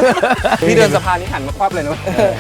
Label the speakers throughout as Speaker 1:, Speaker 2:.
Speaker 1: พี่เดินสะพานนี้หันมาควับเลยนะ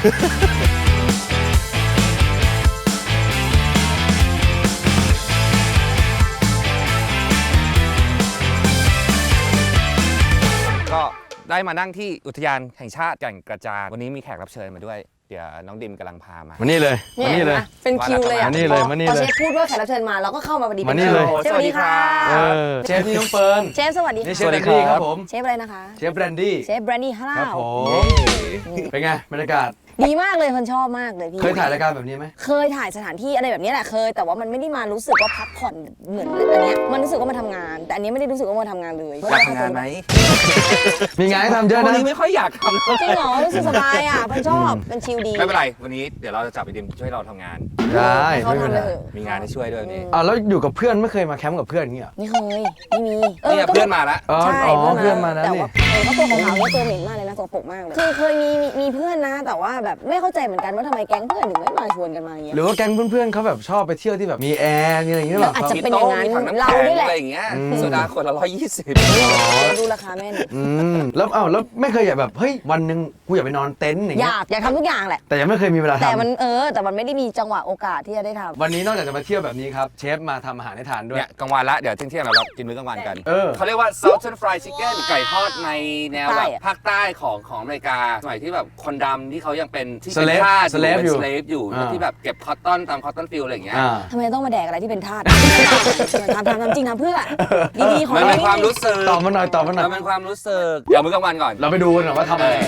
Speaker 1: ก็ได้มานั่งที่อุทยานแห่งชาติแก่งกระจานวันนี้มีแขกรับเชิญมาด้วยเดี๋ยวน้องดิมกำลังพามา
Speaker 2: มานี่เลยมานี่เลย
Speaker 3: เป็นคิวเลยอ่ะ
Speaker 2: มานี่เลยมานี่เลย
Speaker 3: พอเชฟพูดว่าแขกรับเชิญมาเราก็เข้ามาพอดี
Speaker 2: มานี่เลย
Speaker 3: สวัสดีค่ะ
Speaker 2: เชฟนี่น้องเฟิร์น
Speaker 3: เชฟสวัสดีค่ะ
Speaker 2: เชฟแบรนดี้ครับผม
Speaker 3: เชฟอะไรนะคะ
Speaker 2: เชฟแบรนดี้
Speaker 3: เชฟแบรนดี้ฮาร่า
Speaker 2: ครับผมเป็นไงบรรยากาศ
Speaker 3: ดีมากเลยคนชอบมากเลยพี่
Speaker 2: เคยถ่ายรายการแบบนี้ไหม
Speaker 3: เคยถ่ายสถานที่อะไรแบบนี้แหละเคยแต่ว่ามันไม่ได้มารู้สึกว่าพักผ่อนเหมือนอันเนี้ยมันรู้สึกว่ามาทำงานแต่อันนี้ไม่ได้รู้สึกว่ามาทำงานเลย
Speaker 1: อยากทำงานไหม
Speaker 2: มีงานให้ทำเยอะนะ
Speaker 1: วันนี้ไม่ค่อยอยากทำ
Speaker 3: จริงเหรอรู้สึกสบายอ่ะคนชอบเป็นชิลดี
Speaker 1: ไม่เป็นไรวันนี้เดี๋ยวเราจะจับไอดิมช่วยเราทำงาน
Speaker 2: ได้
Speaker 3: เขาทำเลย
Speaker 1: มีงานให้ช่วยด้วยนี่
Speaker 2: แล้วอยู่กับเพื่อนไม่เคยมาแคมป์กับเพื่อนอย่างเงี้ย
Speaker 3: ไม่เคยไม่มี
Speaker 1: เนี่ยเพื่อนมาแล้ว
Speaker 3: ใช่
Speaker 2: เพื่อนมาแล้ว
Speaker 3: แต่
Speaker 2: นี่
Speaker 3: ว่าเขาตัวของเขาตัวเหม็นมากเลยนะตัวปกมากเลยคือเคยมีเพื่อนนะแต่ว่าแบบไม่เข้าใจเหมือนกันว่าทำไมแก๊งเพื่อนถึงไม่มาชวนกันมาอย่างเงี้ย
Speaker 2: หรือว่าแก๊งเพื่อนๆเขาแบบชอบไปเที่ยวที่แบบมีแอร์มีอะไรอย่างเงี้ยหรอ
Speaker 3: อาจจะเป็นอย่างนั้นเราด้วยแหละ
Speaker 1: อะไรอย่างเงี้ยโซดาขวดละ120
Speaker 3: ดูราคาแม่น
Speaker 2: แล้วไม่เคยอยากแบบเฮ้ยวันหนึ่งกูอยากไปนอนเต็นท์อย่างเงี้ย
Speaker 3: อยากทำทุกอย่างแหละ
Speaker 2: แต่ยังไม่เคยมีเวลาทำ
Speaker 3: แต่มันไม่ได้มีจังหวะโอกาสที่จะได้ทำ
Speaker 2: วันนี้นอกจากจะมาเที่ยวแบบนี้ครับเชฟมาทำอาหารให้ทานด้วย
Speaker 1: เนี่ยกลางวันละเดี๋ยวเที่ยงเรากินมื้อกลางวันกันเขาเรียกว่า Southern Fried Chicken ไก่ทอดในแนวแบบภาคใต้ของอเมริกาสมัยที่แบบคนดำที่เขายังเป็นที่เป็นทาสเป็นสเลฟอยู่ที่แบบเก็บคอตตอนตามคอตตอนฟิลอะไรอย่างเงี้ย
Speaker 3: ทำไมต้องมาแดกอะไรที่เป็นทาสทำจริงทำเพื่อดีๆของ
Speaker 1: มันเป็นความรู้สึก
Speaker 2: ตอบมาหน่อยมัน
Speaker 1: เป็นความรู้สึกเดี๋ยวมื้อกลางวันก่อน
Speaker 2: เราไปดูกันหน่อยว่าทำอะไร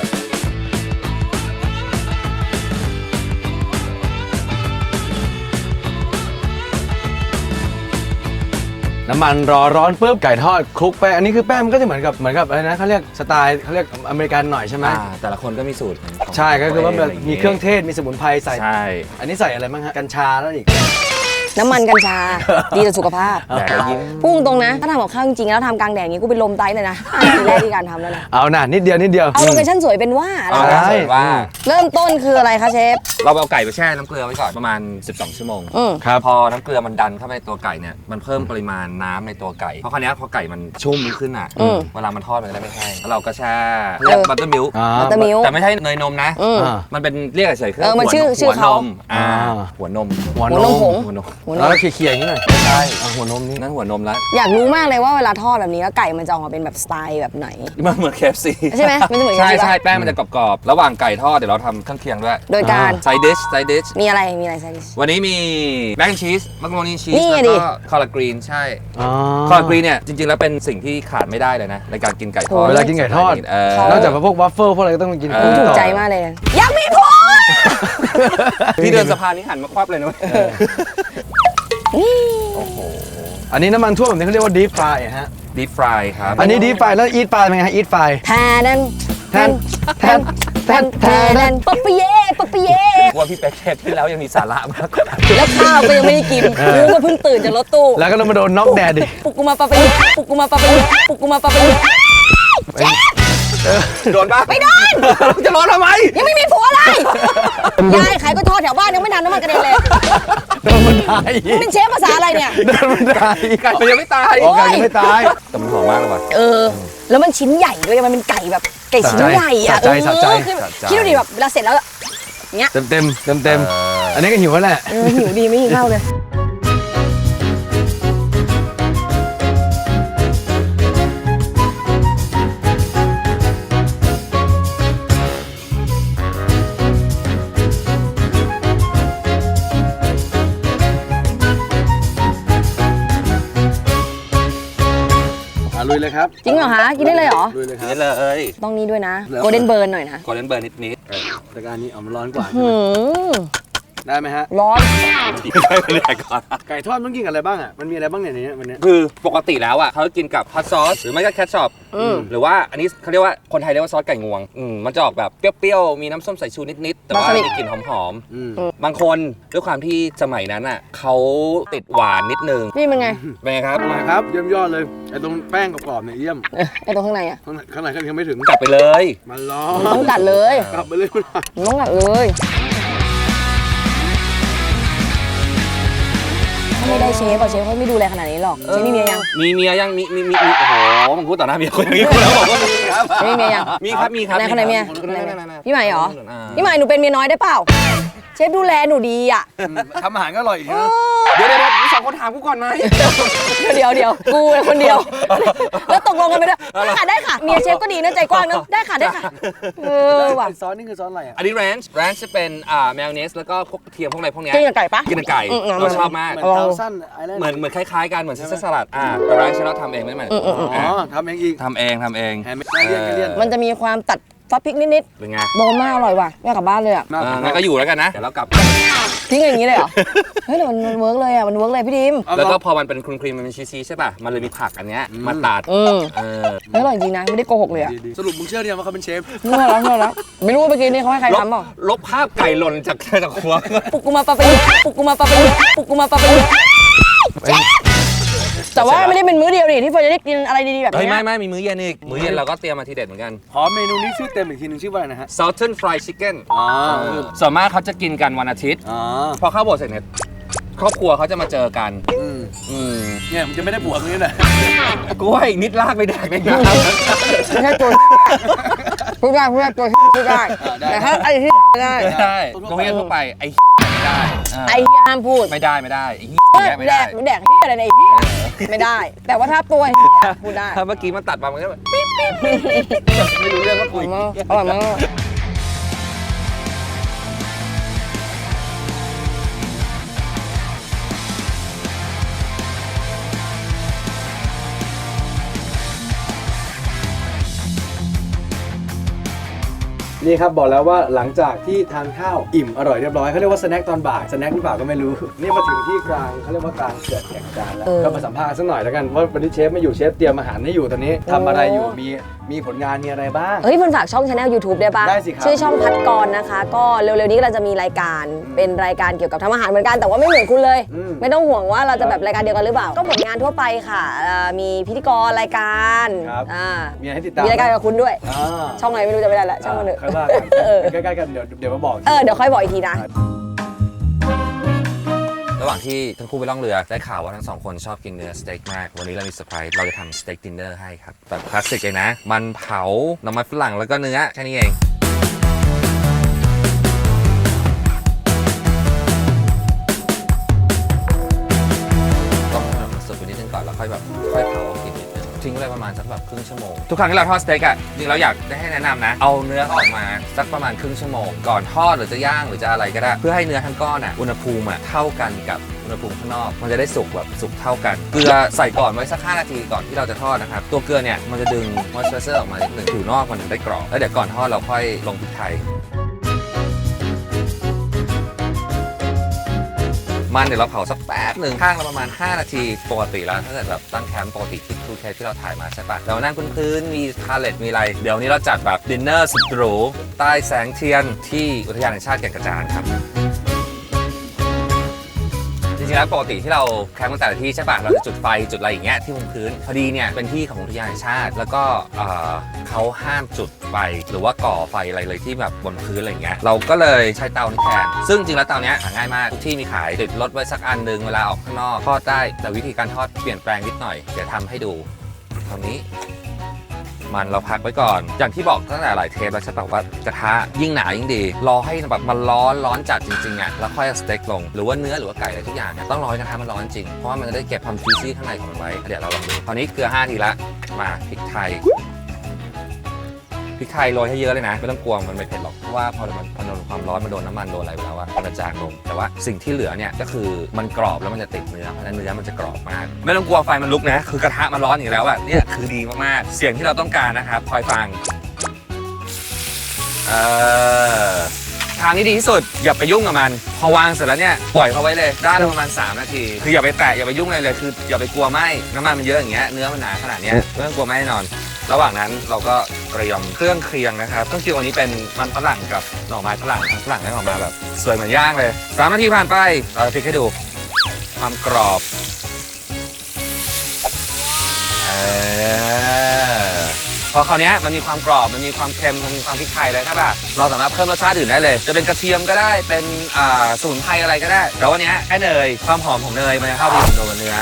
Speaker 2: น้ำมันรอร้อนปุ๊บไก่ทอดคลุกแป้งอันนี้คือแป้งมันก็จะเหมือนกับอะไรนะเขาเรียกสไตล์เขาเรียกอเมริกันหน่อยใช่ไหม
Speaker 1: แต่ละคนก็มีสูตร
Speaker 2: ใช่ก็คือว่ามีเครื่องเทศมีสมุนไพรใส่
Speaker 1: ใช่
Speaker 2: อันนี้ใส่อะไรบ้างฮะกัญชาแล้วอีก
Speaker 3: น้ำมันกัญชาดีต่อสุขภาพพุ่งตรงนะถ้าทำกับข้าวจริงๆแล้วทำกลางแดดอย่างนี้กูเป็นลมตายเลยนะทีแรกที่การทำแล้วนะ
Speaker 2: เอาหน่านิดเดียว
Speaker 3: เอาโลเคชั่นสวยเป็นว่าเริ่มต้นคืออะไรคะเชฟ
Speaker 1: เราเอาไก่ไปแช่น้ำเกลือไว้ก่อนประมาณ12 ชั่วโมง
Speaker 2: ครับ
Speaker 1: พอน้ำเกลือมันดันเข้าไปในตัวไก่เนี่ยมันเพิ่มปริมาณน้ำในตัวไก่เพราะคราวนี้พอไก่มันชุ่มขึ้นอ่ะเวลามันทอดมันจะได้ไม่แห้งแล้วเราก็แช่เรียกบัตเตอร์มิลค์แต่ไม่ใช่เนยนมนะมันเป็นเรียกเฉยๆคือหัวนมหัวนม
Speaker 3: ผง
Speaker 2: แล้วเคี่ยวๆนี่หน่อย
Speaker 1: ใช่
Speaker 2: หัวนมนี่
Speaker 1: นั่นหัวนมแล้ว
Speaker 3: อยากรู้มากเลยว่าเวลาทอดแบบนี้แล้วไก่มันจะออกมาเป็นแบบสไตล์แบบไหน
Speaker 1: มันเหมือน KFC
Speaker 3: ใช่ไหมมันจะเหมือน
Speaker 1: ใช่แป้งมันจะกรอบๆระหว่างไก่ทอดเดี๋ยวเราทำเครื่องเคียงด้วย
Speaker 3: โดยการ
Speaker 1: ไซดิช
Speaker 3: มีอะไรไซดิช
Speaker 1: วันนี้มีแมคแอนชีสมักโรนีชีสแล้วก็คอลลากรีนใช่คอลลากรีนเนี่ยจริงๆแล้วเป็นสิ่งที่ขาดไม่ได้เลยนะในการกินไก่ทอด
Speaker 2: เวลากินไก่ทอดนอกจากพวกวัฟเฟิลพวกอะไรก็ต้องกิน
Speaker 3: ถูกใจมากเลยอยากมีผัว
Speaker 1: พี่เดินสะพานนี้หันมาควับเลยนะ
Speaker 2: โอ้โหอันนี้น้ำมันท่วมแบบนี้เขาเรียกว่า deep fry ฮะ
Speaker 1: deep fry ครับ
Speaker 2: อันนี้ deep fry แล้ว eat fry เป็นไงฮะ eat fry
Speaker 3: แทนปะปะเย่
Speaker 1: ว่าพี่เป๊กเทปที่แล้วยังมีสาระมากกว่า
Speaker 3: แล้วข้าวก็ยังไม่ได้กินกูก็เพิ่งตื่นจากรถตู้
Speaker 2: แล้วก็ต้องมาโดนน็อกแดดดิ
Speaker 3: ปุกกูมาปะปะเย่
Speaker 1: โดนปะ
Speaker 3: ไม่โดน
Speaker 1: จะร้อนทำไม
Speaker 3: ยังไม่มีผัวเลยยายขายก็ทอดแถวบ้านยังไม่ทันน้ำมันกระเด็นเลย
Speaker 2: โดนมันตาย
Speaker 3: เป็นเชฟภาษาอะไรเนี่ย
Speaker 2: โดนมันตาย
Speaker 1: ไก่มันยังไม่ตาย
Speaker 2: ไก่ยังไม่ตาย
Speaker 1: แต่มันหอมมากเลยว่ะ
Speaker 3: แล้วมันชิ้นใหญ่ด้วยมันเป็นไก่แบบไก่ชิ้นใหญ่อะคิดดูดิแบบเวลาเสร็จแล้วเนี้ย
Speaker 2: เต็มอันนี้ก็หิวแล้วแหละ
Speaker 3: หิวดีไม่กินข้าวเลย
Speaker 2: ลุยเลยครับ
Speaker 3: จริงเหรอคะกินได้เลยเหรอ
Speaker 2: ลุยเลยครับ
Speaker 1: เลย
Speaker 3: ต้องนี้ด้วยนะโกลเด้นเบิร์นหน่อยนะ
Speaker 1: โกลเด้นเบิร์นนิด
Speaker 2: แต่การนี้มันร้อนกว่าได้ไหมฮะ
Speaker 3: ร้อน
Speaker 2: ไก่ทอดต้องกินกับอะไรบ้างอ่ะมันมีอะไรบ้างเนี่ยในนี้วันนี้
Speaker 1: คือปกติแล้วอ่ะเขากินกับฮอตซอสหรือไม่ก็แคชช็อปหรือว่าอันนี้เขาเรียกว่าคนไทยเรียกว่าซอสไก่งวงมันจะออกแบบเปรี้ยวๆมีน้ำส้มสายชูนิดๆแต่ว่ามีกลิ่นหอมๆบางคนด้วยความที่สมัยนั้นอ่ะเขาติดหวานนิดนึง
Speaker 3: นี่มันไง
Speaker 1: ครับ
Speaker 2: มาครับเยี่ยมยอดเลยไอ้ตรงแป้งกรอบๆเนี่ยเยี่ยม
Speaker 3: ไอ้ตรงข้างในอ่ะ
Speaker 2: ข้างในก็ยังไม่ถึง
Speaker 1: กลับไปเลย
Speaker 2: มันร้อน
Speaker 3: ต้องกัดเลย
Speaker 2: กลับไปเลย
Speaker 3: ต้องกัดเลยไม่ได้เชฟอะเชฟเขาไม่ดูแลขนาดนี้หรอกเชฟมีเมียยัง
Speaker 1: มีเมียยังมีโอ้โหมึงพูดต่อหน้าเมียคนอย่างนี้กูแล้วบอกว่ามีครับ
Speaker 3: มีเมียยัง
Speaker 1: มีครับมีครับ
Speaker 3: คนไหนเมีย
Speaker 1: คนไหน
Speaker 3: พี่ใหม่เหรอพี่ใหม่หนูเป็นเมียน้อยได้เปล่าเชฟดูแลหนูดีอะ
Speaker 2: ทำอาหารก็อร่อยอีกนะ
Speaker 1: เดี๋ยวมึงสองคนถามกูก่อนไหม
Speaker 3: เดี๋ยวกูคนเดียวแล้วตกลงกันไปด้วยได้ค่ะเมียเชฟก็ดีนะใจกว้างเนอะได้ค่ะว่ะ
Speaker 2: ซอสนี่คือซอสอะไรอ่ะ
Speaker 1: อันนี้แรนช์จะเป็นแมยองเนสแล้วก็พวกกระเทียมพวกอะไรพวกเนี้ย
Speaker 3: กินกับไก่ปะ
Speaker 1: กินกับไก่เราชอบมาก
Speaker 2: เหมือนเทาสั้นไอแลนด์
Speaker 1: เหมือนคล้ายๆกันเหมือนซิสเตอร์สลัดแต่แรนช์เราทำเองไม่เหมือน
Speaker 2: อ๋อทำเองอีก
Speaker 1: ทำเอง
Speaker 2: แฮมเลียน
Speaker 3: มันจะมีความตัดซอสพริกนิด
Speaker 1: เป็นไง
Speaker 3: ๆโดนมากอร่อยว่ะแม่กลับบ้านเลยอ่ะ
Speaker 1: งั้นก็อยู่แล้วกันนะเดี๋ยวเรากลับ
Speaker 3: ทิ้งอย่างนี้เลยเหรอเฮ้ยแต่มันเวิร์กเลยอ่ะมันเวิร์กเลยพี่ดิม
Speaker 1: แล้วก็พอมันเป็นครีมมันเป็นชีสใช่ป่ะมันเลยมีผักอันเนี้ยมาตัด
Speaker 3: เฮ้ยอร่อยจริงนะไม่ได้โกหกเลยอ่ะ
Speaker 2: สรุปมึงเชื่อเนี่ยว่าเขาเป็นเชฟ
Speaker 3: เมื่อแล้วไม่รู้ว่าเมื่อกี้นี่เขาให้ใครทำเปล่า
Speaker 1: ลบภาพไก่หล่นจากครัว
Speaker 3: ปุกกูมาปะเปย์ปุกกูมาปะเปย์ปุกกูมาปะเปย์แต่ว่าไม่ได้เป็นมื้อเดียวนี่ที่เฟิร์นจะได้กินอะไรดีๆแบบ
Speaker 1: เฮ้ย
Speaker 3: นี้
Speaker 1: ไม่มีมื้อเย็นอีกมื้อเย็นเราก็เตรียมมาทีเด็ดเหมือนกัน
Speaker 2: ขอเมนูนี้ชื่อเต็มอีกทีหนึงชื่อว่าอะไรนะฮะ
Speaker 1: Southern Fried Chicken
Speaker 2: อ๋อ
Speaker 1: ส่วนมากเขาจะกินกันวันอาทิตย์
Speaker 2: อ๋อ
Speaker 1: พอเข้าโบสถ์เสร็จเนี่ยครอบครัวเขาจะมาเจอกัน
Speaker 2: เนี่ยมึงจะไม่ได้บวกนี้นะ
Speaker 1: กล้วยนิดลากไปแดกได้ไง
Speaker 3: ไม่ใช่ตัวพูดได้ตัวพูดได้แต่ถ้าไอ้ที่ไม่ได้
Speaker 1: ไม่ได้ตรงนี้ทั่วไปไอ้ไม่ได้
Speaker 3: ไอ้ห้ามพูด
Speaker 1: ไม่ได้ไอ้แยกไม่
Speaker 3: แด
Speaker 1: ได้
Speaker 3: กที่อะไรในไอ้ที่ไม่ได้ แต่ว่าถ้าตัวพูดได้
Speaker 1: ถ้าเมื่อกี้มันตัดมามันก็แบบปิ๊บไม่รู้เรื่องว่าคุย
Speaker 3: อร่อยมาก
Speaker 2: นี่ครับบอกแล้วว่าหลังจากที่ทานข้าวอิ่มอร่อยเรียบร้อยเขาเรียกว่าสแน็คตอนบ่ายสแน็คหรือเปล่าก็ไม่รู้ นี่มาถึงที่กลางเขาเรียกว่ากลางเกิดแข่งจานแล้วก็มาสัมภาษณ์สักหน่อยแล้วกันว่าวันนี้เชฟไม่อยู่เชฟเตรียมอาหารให้อยู่ตอนนี้ทำอะไรอยู่มีผลงานมีอะไรบ้าง
Speaker 3: เฮ้ยมันฝากช่องชาแนล YouTube ได้ปะ
Speaker 2: ได้สิครับ
Speaker 3: ชื่อช่องพัดกรนะคะ ก็เร็วๆนี้เราจะมีรายการเป็นรายการเกี่ยวกับทำอาหารเหมือนกันแต่ว่าไม่เหมือนคุณเลย ไม่ต้องห่วงว่าเราจะแบบรายการเดียวกันหรือเปล่าก็ผลงานทั่วไปค่ะมีพิธีกรรายการ
Speaker 2: มีอะไรให้ติดตาม
Speaker 3: มีรายการกับคุณด้วยช่องอะไรไม่รู้จะไม่ได้ละช่องมันเถอะ
Speaker 2: ค่อยว่ากันใกล้ๆกันเดี๋ยวมาบอก
Speaker 3: เดี๋ยวค่อยบอกอีกทีนะ
Speaker 1: ระหว่างที่ทั้งคู่ไปล่องเรือได้ข่าวว่าทั้งสองคนชอบกินเนื้อสเต็กมากวันนี้เรามีเซอร์ไพรส์เราจะทำสเต็กดินเนอร์ให้ครับแบบคลาสสิกเลยนะมันเผาน้ำมันฝรั่งแล้วก็เนื้อแค่นี้เองต้องให้มันสุกไปนิดนึงก่อนแล้วค่อยเผากินนิดนึงทิ้งไว้ประมาณสักแบบครึ่งชั่วโมงทุกครั้งที่เราทอดสเต็กอ่ะจริงเราอยากได้ให้แนะนำนะเอาเนื้อออกมาสักประมาณครึ่งชั่วโมงก่อนทอดหรือจะย่างหรือจะอะไรก็ได้เพื่อให้เนื้อทั้งก้อนอ่ะอุณหภูมิอ่ะเท่ากันกับอุณหภูมิข้างนอกมันจะได้สุกแบบสุกเท่ากันเกลือใส่ก่อนไว้สัก5 นาทีก่อนที่เราจะทอดนะครับตัวเกลือเนี่ยมันจะดึงมอยส์เจอร์ออกมานิดนึงผิวนอกมันถึงได้กรอบแล้วเดี๋ยวก่อนทอดเราค่อยลงพริกไทยมันเดี๋ยวเราเผาสักแป๊บหนึ่งข้างละประมาณ5 นาทีปกติแล้วถ้าเกิดแบบตั้งแคมป์ปกติที่ทูเทปที่เราถ่ายมาใช่ปะเรานั่งพื้นมีพาเลตมีอะไรเดี๋ยวนี้เราจัดแบบดินเนอร์สุดหรูใต้แสงเทียนที่อุทยานแห่งชาติแก่งกระจานครับจริงๆแล้วปกติที่เราแคมป์กันแต่ละที่ใช่ปะเราจะจุดไฟจุดอะไรอย่างเงี้ยที่บนพื้นพอดีเนี่ยเป็นที่ของอุทยานแห่งชาติแล้วก็เขาห้ามจุดไฟหรือว่าก่อไฟอะไรเลยที่แบบบนพื้นอะไรอย่างเงี้ยเราก็เลยใช้เตานี้แทนซึ่งจริงแล้วเตาเนี้ยหาง่ายมากทุกที่มีขายติดรถไว้สักอันนึงเวลาออกข้างนอกทอดได้แต่วิธีการทอดเปลี่ยนแปลงนิดหน่อยเดี๋ยวทำให้ดูตรงนี้มันเราพักไว้ก่อนอย่างที่บอกตั้งแต่หลายเทปแล้วใช่ป่ะว่ากระทะยิ่งหนายิ่งดีรอให้แบบมันร้อนจัดจริงๆอ่ะแล้วค่อยเอาสเต็กลงหรือว่าเนื้อหรือว่าไก่อะไรทุกอย่างเนี่ยต้องรอให้กระทะมันร้อนจริงเพราะว่ามันจะได้เก็บความจุยซี่ข้างในของมันไว้เดี๋ยวเราลองดูตอนนี้เกลือ5 ทีละมาพริกไทยโรยให้เยอะเลยนะไม่ต้องกลัวมันไม่เผ็ดหรอกเพราะว่าพอมันโดนความร้อนมันโดนน้ำมันโดนอะไรไปแล้วมันจะจางลงแต่ว่าสิ่งที่เหลือเนี่ยก็คือมันกรอบแล้วมันจะติดเนื้อเพราะฉะนั้นเนื้อมันจะกรอบมากไม่ต้องกลัวไฟมันลุกนะคือกระทะมันร้อนอยู่แล้วอะเนี่ยคือดีมากๆเสียงที่เราต้องการนะครับคอยฟังทางที่ดีที่สุดอย่าไปยุ่งกับมันพอวางเสร็จแล้วเนี่ยปล่อยเขาไว้เลยด้านละประมาณ3 นาทีคืออย่าไปแตะอย่าไปยุ่งอะไรเลยคืออย่าไปกลัวไหมน้ำมันมันเยอะอย่างเงี้ยเนื้อมันหนาขนาดเนี้ยไม่ต้องกลัวไหมแน่นอนระหว่างนั้นเราก็เตรียมเครื่องเคียงนะครับเครื่องเคียงวันนี้เป็นมันฝรั่งกับหน่อไม้ฝรั่งได้ออกมาแบบสวยเหมือนย่างเลย3 นาทีผ่านไปเราพลิกให้ดูความกรอบพพอคราวนี้มันมีความกรอบมันมีความเค็มมันมีความพริกไทยเลยใช่ป่ะเราสามารถเพิ่มรสชาติอื่นได้เลยจะเป็นกระเทียมก็ได้เป็นสมุนไพรอะไรก็ได้แต่วันนี้แค่เนยความหอมของเนยมันจะเข้าไปกับตัวเนื้อ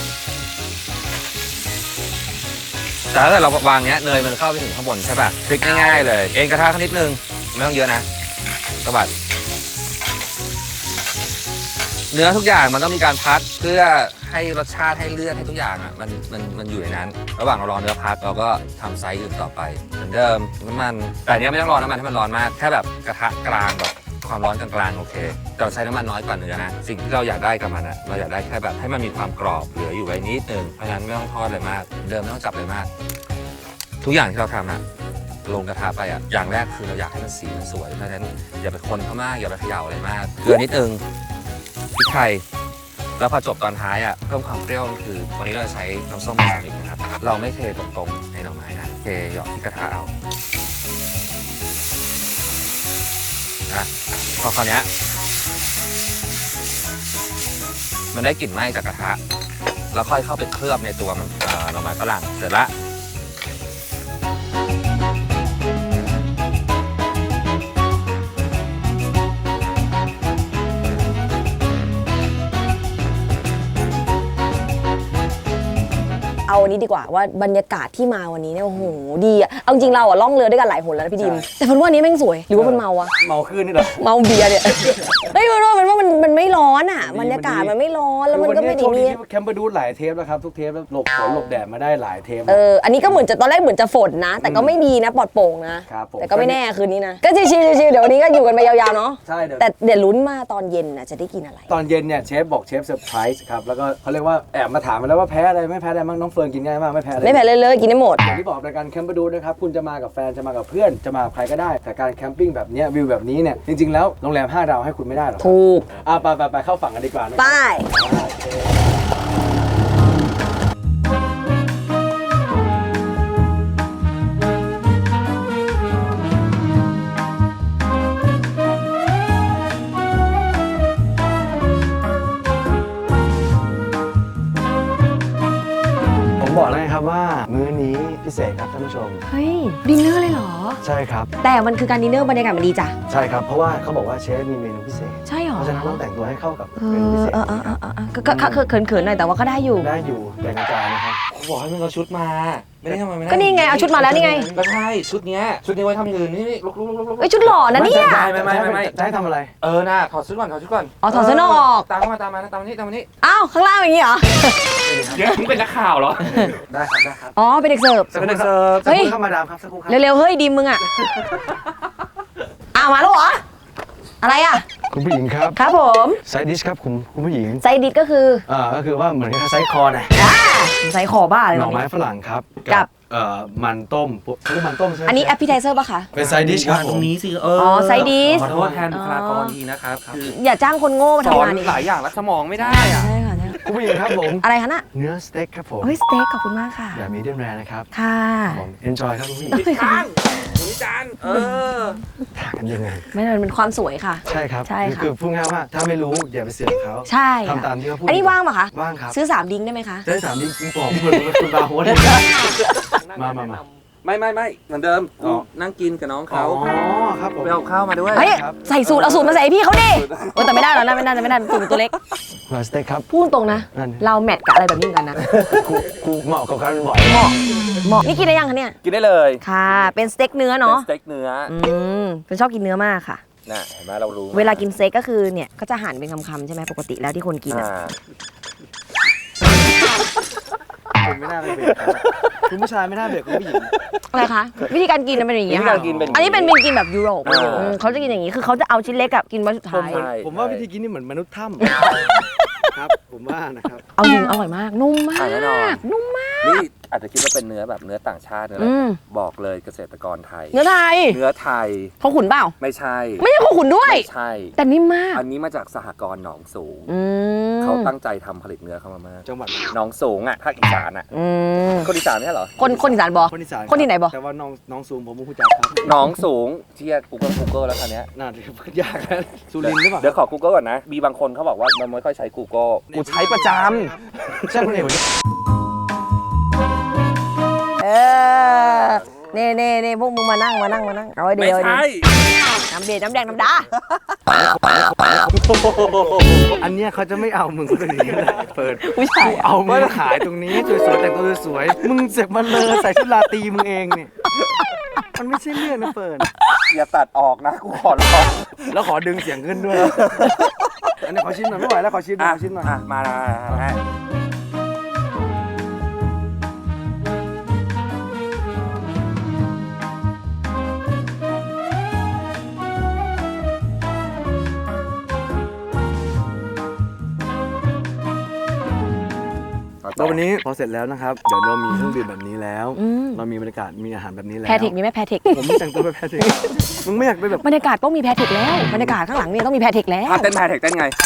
Speaker 1: แต่ถ้าเกิดเราวางเนี้ยเนยมันเข้าไปถึงข้างบนใช่ป่ะพลิกง่ายๆเลยเองกระทะนิดนึงไม่ต้องเยอะนะสวัสดเนื้อทุกอย่างมันต้องมีการพักเพื่อให้รสชาติให้เลือดให้ทุกอย่างอ่ะมันอยู่ในนั้นระหว่างเรารอเนื้อพักเราก็ทำไซส์อื่นต่อไปเหมือนเดิมน้ำมันแต่อันนี้ไม่ต้องรอน้ำมันให้มันร้อนมากแค่แบบกระทะกลางแบบความร้อนกลางๆโอเคแต่ใช้น้ำมันน้อยกว่าเนื้อนะสิ่งที่เราอยากได้กับมันอ่ะเราอยากได้แค่แบบให้มันมีความกรอบเหลืออยู่ไว้นิดนึงเพราะฉะนั้นไม่ต้องทอดเลยมากเดิมไม่ต้องจับเลยมากทุกอย่างที่เราทำอ่ะลงกระทะไปอ่ะอย่างแรกคือเราอยากให้มันสีมันสวยเพราะฉะนั้นอย่าไปคนเข้ามากอย่าไปเขย่าอะไรมากเกลือนิดนึงพริกไทยแล้วพอจบตอนท้ายอ่ะเพิ่มความเปรี้ยวคือวันนี้เราใช้น้ำส้มสาลิกนะครับเราไม่เทตรงๆในหน่อไม้นะเทหยอกที่กระทะเอานะพอคราวนี้มันได้กลิ่นไหม้จากกระทะแล้วค่อยเข้าไปเคลือบในตัวมันหน่อไม้ฝรั่งเสร็จละ
Speaker 3: เอาวันนี้ดีกว่าว่าบรรยากาศที่มาวันนี้เนี่ยโอ้โหดีอะเอาจริงเราอะล่องเรือด้วยกันหลายหนแล้วนะพี่ดิมแต่พันว่านี้แม่งสวยหรือว่ามันเมาวะ
Speaker 2: เมาขึ้นนี่เหรอ
Speaker 3: เมาเบียร์เนี่ยเฮ้ยมันไม่ร้อนอะบรรยากาศมันไม่ร้อนแล้วมันก็ไม่ได้มี
Speaker 2: แคมเปอร์ดูหลายเทปแล้วครับทุกเทปแล้วหลบฝนหลบแดดมาได้หลายเทป
Speaker 3: อันนี้ก็เหมือนจะตอนแรกเหมือนจะฝนนะแต่ก็ไม่มีนะปลอดโปร่งนะแต่ก็ไม่แน่คืนนี้นะก็ชิวๆเดี๋ยววันนี้ก็อยู่กันไปยาวๆเนาะ
Speaker 2: ใช่
Speaker 3: แต่เดี๋ยวลุ้นมาตอนเย็นน่ะจะได้กินอะไร
Speaker 2: ตอนเย็นเนี่ยเชฟบอกเชฟเซอร์ไพรส์ครับแล้วก็เขาเรียกว่าแอบมาถามมาแล้วว่าแพ้อะไรไม่แพ้อะไรบ้างน้องเฟิร์นกินง่ายมากไม่แพ้
Speaker 3: เลยกินได้หมด
Speaker 2: อย่างที่บอกรายการแคมเปอร์ดูนะครับคุณจะมากับแฟนจะมากับเพื่อนจะมากับใครก็ได้แต่การแคมปิ้งแบบนี้วิวแบบนี้เนี่ยจริงๆแล้วโรงแรม5 ดาวให้คุณไม่ได้หรอก
Speaker 3: ถูก
Speaker 2: ไปเข้าฝั่งกันดีกว่านะ
Speaker 3: ไป
Speaker 2: บอกเลยครับว่ามื้อนี้พิเศษครับท่านผู้ชม
Speaker 3: เฮ้ยดินเนอร์เลยเหรอ
Speaker 2: ใช่ครับ
Speaker 3: แต่มันคือการดินเนอร์บรรยากาศมันดีจ้ะ
Speaker 2: ใช่ครับเพราะว่าเขาบอกว่าเชฟมีเมนูพิเศษ
Speaker 3: ใช่หรอ
Speaker 2: เพราะฉะนั้นต้องแต่งตัวให้เข้ากับเมนูพิเศษ
Speaker 3: ก็เขินๆหน่อยแต่ว่าก็ได้อยู่
Speaker 2: แต่งจานนะครับ
Speaker 1: บอกให้มึงเอาชุดมาไม่ได้ทำไมไม่ได้
Speaker 3: ก็นี่ไงเอาชุดมาแล้วนี่ไง
Speaker 1: ก็ใช่ชุดเนี้ยไว้ทำอย่างอื่นนี่ลุก
Speaker 3: เอ้ยชุดหล่อนะเนี่ย
Speaker 2: ไม่จะให้ทำอะไร
Speaker 1: น่ะถอดชุดก่อน
Speaker 3: อ๋อถอดเสื้อนอก
Speaker 1: ตามมานี่
Speaker 3: อ้าวข้างล่างอย่างนี้เหรอ
Speaker 1: เดี๋ยวมึงเป็นนักข่าวเหรอ
Speaker 2: ได้ครับ
Speaker 3: อ๋อเป็นเด็กเสิร์ฟ
Speaker 2: เฮ้ยเข้ามาดามครับสักครู่ครับ
Speaker 3: เร็วๆเฮ้ยดิมมึงอ่ะมาแล้วเหรออะไรอ่ะ
Speaker 2: คุณผู้หญิงครับ
Speaker 3: ครับผม
Speaker 2: ไซดิชครับคุณผู้หญิง
Speaker 3: ไซดิชก็คือ
Speaker 2: ก็คือว่าเหมือนกับไซคอนะ
Speaker 3: ไซคอบ้าเลย
Speaker 2: หน่อไม้ฝรั่งครับกับมันต้มคือมันต้มใช่ไหม
Speaker 3: อันนี้แอปเปิลไทเซอร์ป่ะคะ
Speaker 2: เป็นไซดิชครับ
Speaker 1: ตรงนี้สิ
Speaker 3: ไซดิช
Speaker 1: ขอโทษแทนบุคลากรทีนะครับ
Speaker 3: อย่าจ้างคนโง่มาทำงาน
Speaker 1: หลายอย่างแล้วสมองไม่ได้อ่ะ
Speaker 3: ใช่ค่ะ
Speaker 2: คุณผู้หญิงครับผม
Speaker 3: อะไรคะน่ะ
Speaker 2: เนื้อสเต็กครับผม
Speaker 3: เฮ้ยสเต็กขอบคุณมากค่ะ
Speaker 2: แบบมีเดียมแรร์นะครับ
Speaker 3: ค่ะ
Speaker 2: ผมเอนจอยครับคุณผู้หญิง
Speaker 1: จาน
Speaker 2: ถ่ายกันยังไง
Speaker 3: ไม่เลยเป็นความสวยค่ะ
Speaker 2: ใช่ครับคือพูดง่ายว่าถ้าไม่รู้อย่าไปเสือกเขา
Speaker 3: ใช่
Speaker 2: ทำตามที่เขาพูด
Speaker 3: อันนี้ว่างป่ะคะ
Speaker 2: ว่างครับ
Speaker 3: ซื้อ3 ดิ้งได้ไหมคะ
Speaker 2: ซื้อ3 ดิ้งคุณบอกคุณบาร์โฮสมา
Speaker 1: ไม่เหมือนเดิมนั่งกินกับน้องเขา
Speaker 2: ครับผม
Speaker 1: ไปเอาข้าวมาด้วย
Speaker 3: เฮ้ยใส่สูตรเอาสูตรมาใส่พี่เขาดิแต่ไม่ได้แล้วนะไม่ได้สูตรตัวเล็ก
Speaker 2: สเต็กครับ
Speaker 3: พูดตรงนะเราแมทกับอะไรแบบนี้กันนะ
Speaker 2: กูเหมาะกับการบ่อย
Speaker 3: เหมาะนี่กินได้ยังคะเนี่ย
Speaker 1: กินได้เลย
Speaker 3: ค่ะเป็นสเต็กเนื้อเนาะ
Speaker 1: สเต็กเนื้อ
Speaker 3: เป็นชอบกินเนื้อมากค่ะ
Speaker 1: น่ะเห็นไหมเรารู้
Speaker 3: เวลากินสเต็กก็คือเนี่ยก็จะหั่นเป็นคำๆใช่ไหมปกติแล้วที่คนกิน
Speaker 2: คุณไม่น่าไปเบรกคุณผู้ชายไม่น่าเบรกคุณผู้หญิง
Speaker 3: อะไรคะวิธีการกินเป็นอย่างนี้ค่ะอันนี้เป็นกินแบบยุโรปเขาจะกินอย่างนี้คือเขาจะเอาชิ้นเล็กกับกินไว้สุดท้าย
Speaker 2: ผมว่าวิธีกินนี่เหมือนมนุษย์ถ้ำครับผมว่านะครับ
Speaker 3: เอาจริงอร่อยมากนุ่มมาก
Speaker 1: นี่อาจจะคิดว่าเป็นเนื้อแบบเนื้อต่างชาตินะบอกเลยเกษตรกรไทย
Speaker 3: เนื้อไทยเขาขุนเปล่า
Speaker 1: ไม่ใช่
Speaker 3: เขาขุนด้วย
Speaker 1: ไม่ใช่
Speaker 3: แต่นิ่มมาก
Speaker 1: อันนี้มาจากสหกรณ์หนองสูงเขาตั้งใจทำผลิตเนื้อเข้ามามาก
Speaker 2: จังหวัด
Speaker 1: หนองสูงอ่ะภาคอีสานอ่ะคนอีสานไม่ใช่เหรอ
Speaker 3: คนอีสานบอกคนที่ไหนบอก
Speaker 2: แต่ว่าน้องสูงผมไม่รู้จักครับ
Speaker 1: หนองสูงเชียร์ Google แล้วคันนี้
Speaker 2: น่าจะยากนะสุรินทร์หรือเปล่า
Speaker 1: เดี๋ยวขอ Google ก่อนนะมีบางคนเขาบอกว่ามันไม่ค่อยใช้ Google กูใช้ประจำ
Speaker 2: ใช่คนเอก
Speaker 3: เน่พวกมึงมานั่งเอาไว้เดียว
Speaker 1: ไม่ใช่
Speaker 3: น้ำเบียร์น้ำแดงน้ำดา
Speaker 2: อันเนี้ยเขาจะไม่เอามึงคนนี้เลยเปิด
Speaker 3: ผู้ชาย
Speaker 2: เอามึงขายตรงนี้สวยๆแต่งตัวสวยๆมึงเสกมันเลยใส่ชุดราตรีมึงเองเนี่ยมันไม่ใช่เรื่องนะเปิด
Speaker 1: อย่าตัดออกนะกูขอร้อง
Speaker 2: แล้วขอดึงเสียงขึ้นด้วยอันนี้ขอชิมหน่อยไม่ไหวแล้วขอชิมหน่อยชิมหน่อย
Speaker 1: มา
Speaker 2: แล้ววันนี้พอเสร็จแล้วนะครับเดี๋ยวเรามีเครื่องดื่มแบบนี้แล้วเรามีบรรยากาศมีอาหารแบบนี้แล้ว
Speaker 3: แพทริกมีไหมแพทริก
Speaker 2: ผมไม่แต่งตัวเป็นแพทริกมึงไม่อยากไปแบบ
Speaker 3: บรรยากาศต้องมีแพทริกแล้วบรรยากาศข้างหลังเนี่ยต้องมีแพทริกแล้ว
Speaker 1: เต้นแพทเทคเต้นไง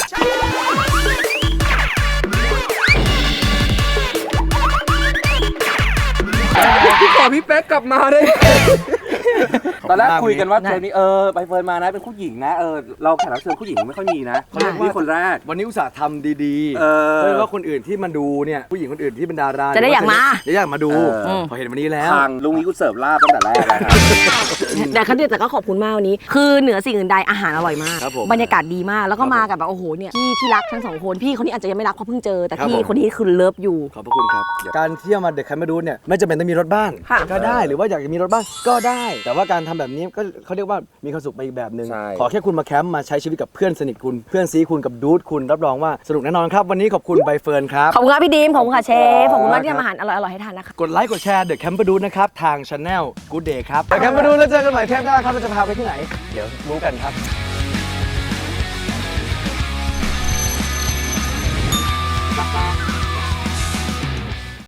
Speaker 1: พี่ขอพี่เป๊กกลับมาได้ตอนแรกคุยกันว่าเทปนี้ใบเฟิร์นมานะเป็นผู้หญิงนะเราแขกรับเชิญผู้หญิงไม่ค่อยมีนะนี่คนแรก
Speaker 2: วันนี้อุตส่าห์ทำดีๆเพื่อว่าคนอื่นที่มาดูเนี่ยผู้หญิงคนอื่นที่เป็นดารา
Speaker 3: จะได้อยากมา
Speaker 2: จะอยากมาดูพอเห็นวันนี้แล้ว
Speaker 1: ทางลุงนี้กูเสิร์ฟลาบตั้งแต่แรกแล้วครับ
Speaker 3: แต่ก็ขอบคุณมากวันนี้ คือเหนือสิ่งอื่นใดอาหารอร่อยมาก
Speaker 2: ครับผม
Speaker 3: บรรยากาศดีมากแล้วก็มากับแบบโอ้โหเนี่ยพี่ที่รักทั้งสองคนพี่คนนี้อาจจะยังไม่รักเพราะเพิ่งเจอแต่
Speaker 2: ครับ
Speaker 3: พี่
Speaker 2: ผม
Speaker 3: คนนี้คือเลิฟอยู่
Speaker 2: ขอบพระคุณครับ การเที่ยวมาเดอะแคมป์มาดูเนี่ยไม่จำเป็นต้องมีรถบ้าน
Speaker 3: ค่ะ
Speaker 2: ก็ได้หรือว่าอยากจะมีรถบ้านก็ได้ แต่ว่าการทำแบบนี้ก็เขาเรียกว่ามีความสุขไปอีกแบบหนึ่ง
Speaker 1: ใช่
Speaker 2: ขอแค่คุณมาแคมป์มาใช้ชีวิตกับเพื่อนสนิทคุณเพื่อนซีคุณกับดูดคุณรับรองว่าสนุกแน่นอนครับวันนี้ขอบคุณใบเฟิร์นครับ
Speaker 3: ขอบคุณครับพี่ดีมขอบคุณค่ะเชฟขอบคุณมากที่ทำอาหารอร่อยๆให้ทานนะคะ
Speaker 2: กดไลค์กดแชร์เดอะแคมป์มาดูนะครับทางช anel Good Day ครับเดอะแคมป์มาดูแล้วเจอกันใหม่เทปหน้าครับเราจะพาไปที่ไหนเดี๋ยวรู้กันครับ